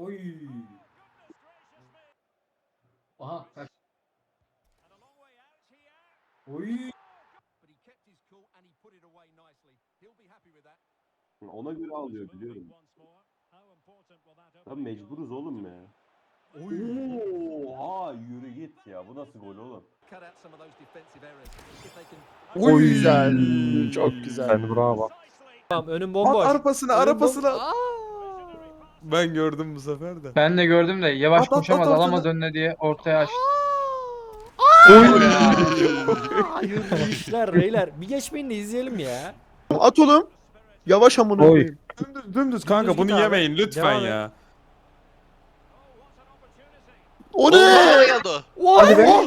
Oy. Aha kaç. Oy. Ona göre alıyor biliyorum. Lan mecburuz oğlum ya. Oha yürü git ya. Bu nasıl gol oğlum? Çok güzel. Çok güzel. Sen bravo. Tamam önüm At bomboş. arpasına Önüm arpasına. Aa! Ben gördüm bu sefer de. Ben de gördüm de yavaş At, at, koşamaz at alamaz ortada. önüne diye ortaya açtı. Hayırlı işler beyler. Bir geçmeyin de izleyelim ya. At oğlum. Yavaş amına Oy. koyayım. Dümdüz kanka Dümdüz bunu git abi. yemeyin lütfen Devam et. ya. O ne? geldi o. Hadi be.